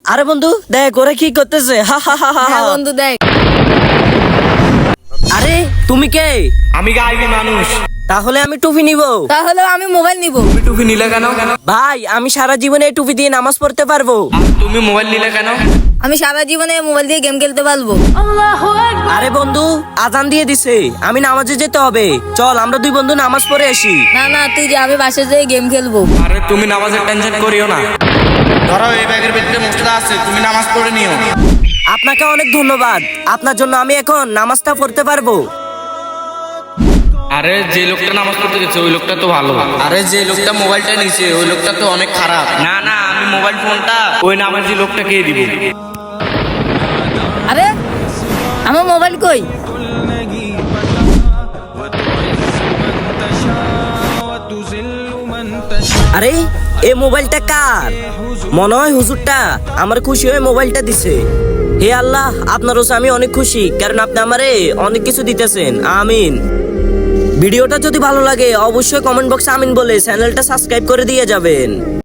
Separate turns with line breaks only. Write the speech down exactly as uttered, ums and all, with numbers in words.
আরে বন্ধু দেখ ওরা কি করতেছে, হা হা হা হা
হ্যাঁ বন্ধু দেখ।
আরে তুমি কে?
আমি গাইবি মানুষ।
তাহলে আমি টুপি নিব।
তাহলে আমি মোবাইল নিব।
তুমি টুপি নিলে কেন?
ভাই আমি সারা জীবনে এই টুপি দিয়ে নামাজ পড়তে পারবো।
আর তুমি মোবাইল নিলে কেন?
আমি সারা জীবনে মোবাইল দিয়ে গেম খেলতে পারবো।
আরে বন্ধু আজান দিয়ে দিছে, আমি নামাজে যেতে হবে, চল আমরা দুই বন্ধু নামাজ পড়ে আসি।
না না তুই যে, আমি বাসায় যেয়ে গেম খেলবো।
আরে তুমি নামাজের টেনশন করিও না, ধরো এই ব্যাগের ভিতরে মুসলা আছে, তুমি নামাজ পড়ে নিও।
আপনাকে অনেক ধন্যবাদ, আপনার জন্য আমি এখন নামাজটা পড়তে পারবো।
আরে যে লোকটা নামাজ পড়তে গেছে ওই লোকটা তো ভালো। আরে যে লোকটা মোবাইলটা নিছে ওই লোকটা তো অনেক খারাপ। না না আমি মোবাইল ফোনটা ওই নামাজি লোকটাকে দিব।
আরে আমার মোবাইল কই?
আরে এই মোবাইলটা কার? মনে হয় হুজুরটা আমার খুশি হয়ে মোবাইলটা দিছে। হে আল্লাহ, আপনার ওসে আমি অনেক খুশি, কারণ আপনি আমারে অনেক কিছু দিতেছেন। আমিন। ভিডিওটা যদি ভালো লাগে অবশ্যই কমেন্ট বক্সে আমিন বলে চ্যানেলটা সাবস্ক্রাইব করে দিয়ে যাবেন।